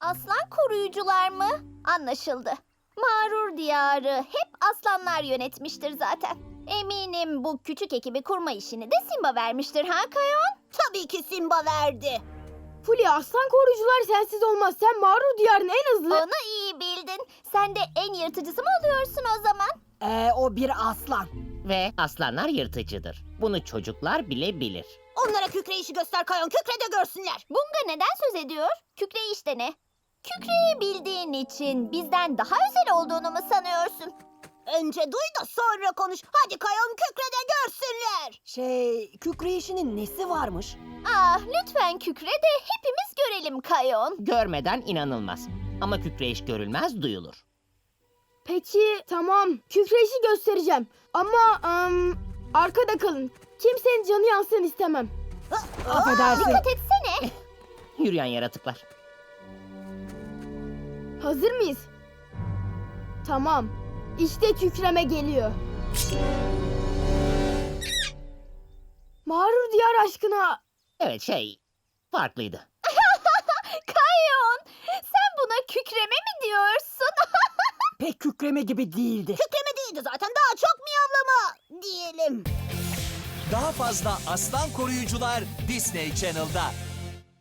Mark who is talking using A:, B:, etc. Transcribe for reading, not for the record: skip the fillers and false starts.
A: Aslan koruyucular mı? Anlaşıldı. Mağrur diyarı hep aslanlar yönetmiştir zaten. Eminim bu küçük ekibi kurma işini de Simba vermiştir ha Kayon?
B: Tabii ki Simba verdi.
C: Fulya, aslan koruyucular sensiz olmaz. Sen mağrur diyarın en hızlı...
A: Onu iyi bildin. Sen de en yırtıcısı mı oluyorsun o zaman?
B: O bir aslan.
D: Ve aslanlar yırtıcıdır. Bunu çocuklar bile bilir.
B: Onlara kükreyişi göster Kayon, kükre de görsünler.
A: Bunga neden söz ediyor? Kükreyiş de ne? Kükreyi bildiğin için bizden daha özel olduğunu mu sanıyorsun?
B: Önce duy da sonra konuş. Hadi Kayon, kükre de görsünler. Kükreyişinin nesi varmış?
A: Ah lütfen kükre de hepimiz görelim Kayon.
D: Görmeden inanılmaz. Ama kükreyiş görülmez, duyulur.
C: Peki, tamam. Kükreyişi göstereceğim. Ama arkada kalın. Kimsenin canı yansın istemem.
B: Affedersin.
A: Dikkat etsene.
D: Yürüyen yaratıklar.
C: Hazır mıyız? Tamam. İşte kükreme geliyor. Mağrur diyar aşkına.
D: Evet, farklıydı.
A: Kayon sen buna kükreme mi diyorsun?
B: Pek kükreme gibi değildi. Kükreme değildi zaten, daha çok miyavlama diyelim.
E: Daha fazla aslan koruyucular Disney Channel'da.